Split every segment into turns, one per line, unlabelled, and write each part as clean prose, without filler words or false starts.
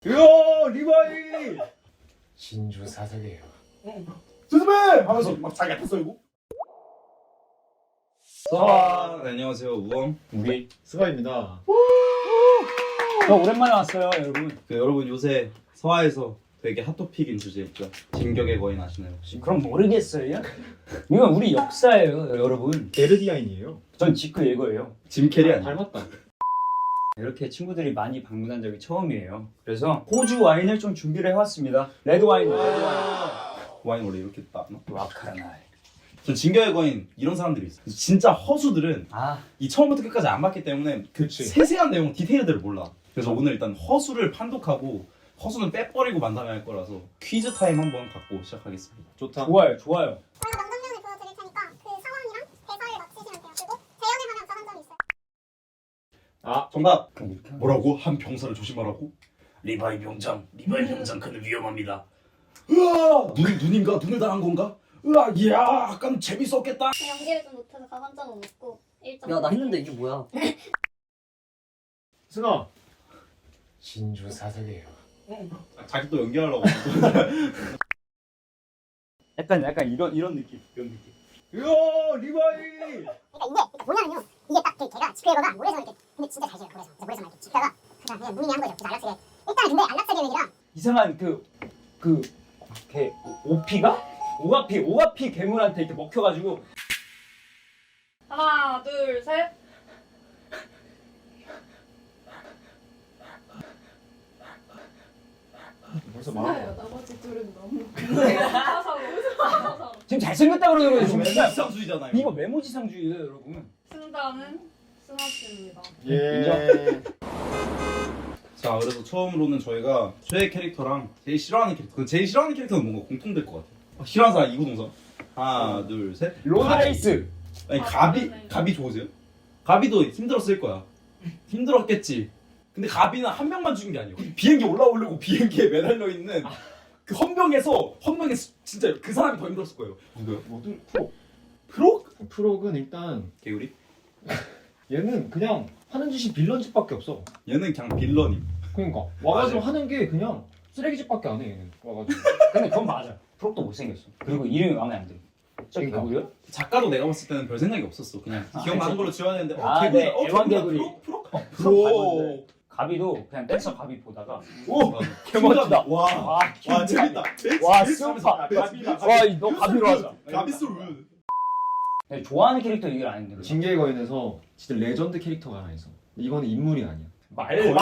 야 리바이
진주 사색이에요.
스스메 하면서 막 자기가 다 썰고.
네, 안녕하세요 우엉.
우리 스가입니다.
저 오랜만에 왔어요, 여러분.
여러분 요새 서하에서 되게 핫토픽인 주제 있죠. 진격의 거인 아시나요 혹시?
그럼 모르겠어요. 이건 우리 역사예요, 여러분.
에르디아인이에요.
전 지크 예거예요.
짐 캐리 아니에요?
닮았다.
이렇게 친구들이 많이 방문한 적이 처음이에요. 그래서 호주 와인을 좀 준비를 해왔습니다. 레드 와인, 레드 와인.
와인 원래 이렇게 따나?
와카라나이.
전 진격의 거인 이런 사람들이 있어요. 진짜 허수들은
아,
이 처음부터 끝까지 안 봤기 때문에 그
그치.
세세한 내용 디테일들을 몰라. 그래서 오늘 일단 허수를 판독하고 허수는 빼버리고 만 다음에 할 거라서 퀴즈 타임 한번 갖고 시작하겠습니다.
좋다.
좋아요, 좋아요.
저희가 명장면을 보여드릴 테니까 그 상황이랑 대사를 맞히시면 돼요. 그리고 재연에 관한 한 점이 있어요.
아,
정답!
그럼 이렇게 하면
뭐라고? 한 병사를 조심하라고? 리바이 병장 그는 위험합니다. 으아! 눈인가? 눈을 당한 건가? 으아! 이야! 약간 재밌었겠다.
연기를 좀 못해서 가산점은 없고 1점.
야 나 했는데 이게 뭐야?
스가. 진주 사색이에요.
자기 또 연기하려고.
약간 이런 느낌.
야 리바이
그러니까 이게 뭐냐면요. 이게 딱 걔가 지크에거가 모래성 이렇게 근데 진짜 잘 지어요. 모래성 이렇게 짚다가 그냥 무늬 한 거죠. 그래서 안락사계. 일단 근데 안락사 계획이랑
이상한 걔 오가피 괴물한테 이렇게 먹혀가지고
하나, 둘, 셋.
벌써
나요.
말한 거.
나머지 둘은 너무 사사로.
지금 잘생겼다 그러는 거예요. 지금 진짜.
이상주의잖아요.
이거 메모지상주의예요, 여러분.
승자는 승하씨입니다.
예.
자, 그래서 처음으로는 저희가 최애 캐릭터랑 제일 싫어하는 캐릭터. 그 제일 싫어하는 캐릭터는 뭔가 공통될 것 같아요. 싫어하는 사람 이구동성. 하나, 둘, 셋.
로드레이스.
아니
그러네.
가비 좋으세요? 가비도 힘들었을 거야. 힘들었겠지. 근데 가비는 한 명만 죽인 게 아니에요. 비행기 올라오려고 비행기에 매달려 있는 그 헌병에서 진짜 그 사람이 더 힘들었을 거예요. 누구요?
모두 프로.
프로?
프로는 일단
개구리?
얘는 그냥 하는 짓이 빌런 짓밖에 없어.
얘는 그냥 빌런임.
그러니까 와가지고
맞아요.
하는 게 그냥 쓰레기짓밖에 안 해. 얘는 와가지고.
근데 그건 맞아. 프록도 못생겼어. 그리고 이름이 마음에 안 들어. 저
그러니까.
개구리요?
작가도 내가 봤을 때는 별 생각이 없었어. 그냥 기억나는 걸로 지워야 되는데
아,
개구리,
네, 애완 개구리.
프로?
프로. 가비도 그냥 댄서 가비 보다가
오!
개멋지다.
와,
와,
와 재밌다.
와, 스파. 와, 너 가비로 하자.
가비솔.
네, 좋아하는 캐릭터 얘기를 안 했는데.
진격의 거인에서 진짜 레전드 캐릭터가 하나 있어. 이거는 인물이 아니야.
말.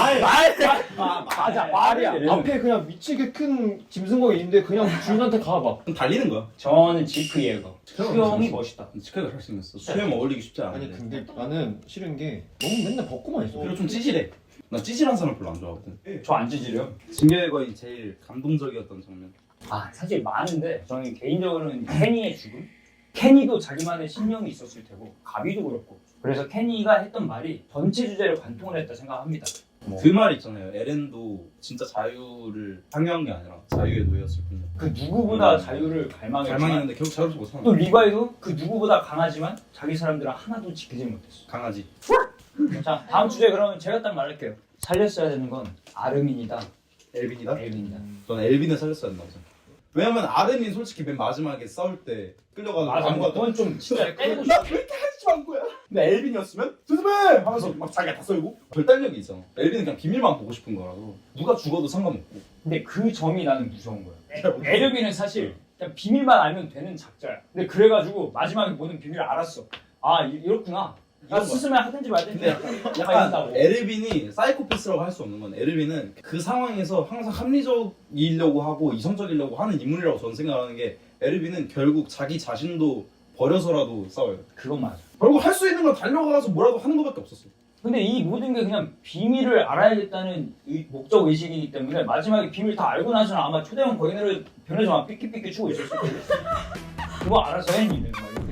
맞아, 말이야.
앞에 그냥 미치게 큰 짐승거가 있는데 그냥 주인한테 가봐.
그럼 달리는 거야.
저는 지크 예거. 수영이 멋있다.
치카가 잘생겼어. 수염 어울리기 쉽지
아니
않은데.
근데 나는 싫은 게 너무 맨날 벗고만 있어.
그리고 좀 찌질해. 나 찌질한 사람 별로 안 좋아하거든.
저 안 찢으려.
진격의 거인 제일 감동적이었던 장면.
아, 사실 많은데 저는 개인적으로는 케니의 죽음? 케니도 자기만의 신념이 있었을 테고 가비도 그렇고 그래서 케니가 했던 말이 전체 주제를 관통을 했다 생각합니다.
그 말 있잖아요. 에렌도 진짜 자유를 향유한 게 아니라 자유의 노예였을 뿐이야.
그 누구보다 자유를 갈망했지만
갈망했는데 결국 자유롭지 못하는
또
거야.
리바이도 그 누구보다 강하지만 자기 사람들은 하나도 지키지 못했어.
강아지.
자, 다음 주제 그러면 제가 딱 말할게요. 살렸어야 되는 건 아르민이다,
엘빈이다?
엘빈이다.
저는 엘빈을 살렸어야 된다고 생각해요. 왜냐면 아르민 솔직히 맨 마지막에 싸울 때 끌려가지고
맞아,
아무것도
그건 좀 진짜 때리고
나
싶어.
왜 이렇게 하지 만 거야? 근데 엘빈이었으면 스스메 하면서 막 자기가 다 썰고 결단력이 있잖아. 엘빈은 그냥 비밀만 보고 싶은 거라서 누가 죽어도 상관없고.
근데 그 점이 나는 무서운 거야. 에르빈은 사실 그냥 비밀만 알면 되는 작자야. 근데 그래가지고 마지막에 모든 비밀을 알았어. 아, 이렇구나. 나
이런 거야.
스스로 하든지 말든지.
근데 약간
이런다고.
에르빈이 사이코패스라고 할 수 없는 건 에르빈은 그 상황에서 항상 합리적이려고 하고 이성적이려고 하는 인물이라고 저는 생각하는 게 에르빈은 결국 자기 자신도 버려서라도 싸워요.
그건 맞아.
결국 할 수 있는 건 달려가서 뭐라도 하는 것밖에 없었어.
근데 이 모든 게 그냥 비밀을 알아야겠다는 목적 의식이기 때문에 마지막에 비밀 다 알고 나서는 아마 초대형 거인으로 변해서 막 삐끼삐끼 추고 있었을 거예요. 그거 알아서 해 니는 막 이렇게.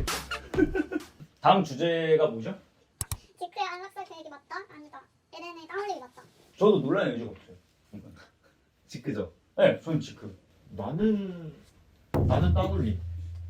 다음 주제가 뭐죠?
지크의 안락사 계획이 맞다? 아니다. 에렌의 땀 흘리기 맞다.
저도 논란의 여지가 없어요.
지크죠.
네, 저는 지크.
나는 따돌림.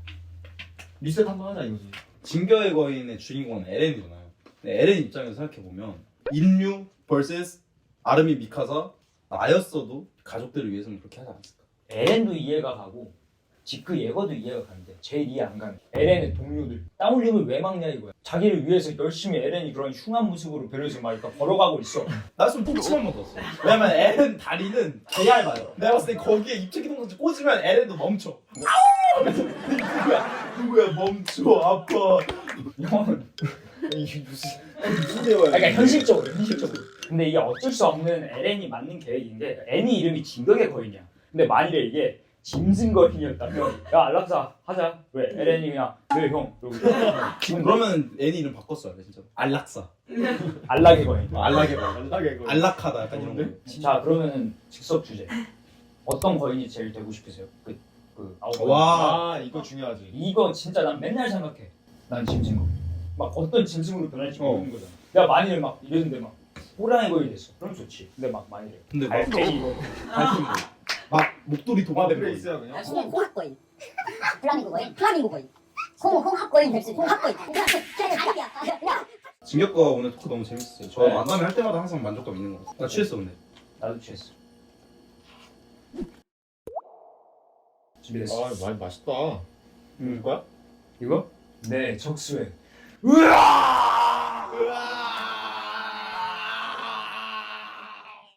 리셋 한번 하자 이거지.
진격의 거인의 주인공은 에렌이잖아요. 근데 에렌 입장에서 생각해보면 인류 vs 아르미 미카사 나였어도 가족들을 위해서는 그렇게 하지 않았을까.
에렌도 이해가 가고 지크 예거도 이해가 가는데 제일 이해 안 가는 게 에렌의 동료들 땀 흘림을 왜 막냐 이거야. 자기를 위해서 열심히 에렌이 그런 흉한 모습으로 변해서 막 이렇게 걸어가고 있어.
나였으면 똥침 한번 넣었어. 왜냐면 에렌 다리는 개 얇아요. 내가 봤을 때 거기에 입체기동까지 꽂으면 에렌도 멈춰. 아우! 하면서 누구야 멈춰 아파.
형은
이게 무슨
무슨 대화야?
그러니까 현실적으로. 근데 이게 어쩔 수 없는 에렌이 맞는 계획인 게 애니 이름이 진격의 거인이야. 근데 만일에 이게 짐승 거인이었다면 야 알락사 하자. 왜 에렌이 그냥 네 형.
지금 그러면 애니 이름 바꿨어야 돼 진짜. 안락사.
알락의 거인.
안락해 봐.
안락해 이거.
안락하다 약간 이런 거.
자 그러면은 즉석 주제. 어떤 거인이 제일 되고 싶으세요? 그 아홉 거인.
와.
아 이거 중요하지.
이거 진짜 난 맨날 생각해. 난 짐승 거인. 막 어떤 짐승으로 변할지 모르는 거잖아. 내가 만일에 막 이랬는데 막 호랑이 거인이 됐어. 그럼 좋지. 근데 막 만일에
근데 막
알팽이 거인.
막 목도리 도마뱀 거인.
있어야 그냥.
홍합거인, 플라밍고거인, 홍합거인 될 수 있는 홍합거인. 야,
진격과 오늘 토크 너무 재밌었어요. 저
네.
만남을 할 때마다 항상 만족감 있는 것 같아요. 나 취했어 근데.
나도 취했어. 준비됐어.
아 많이 맛있다.
이거 거야?
이거? 네 적수회.
으아!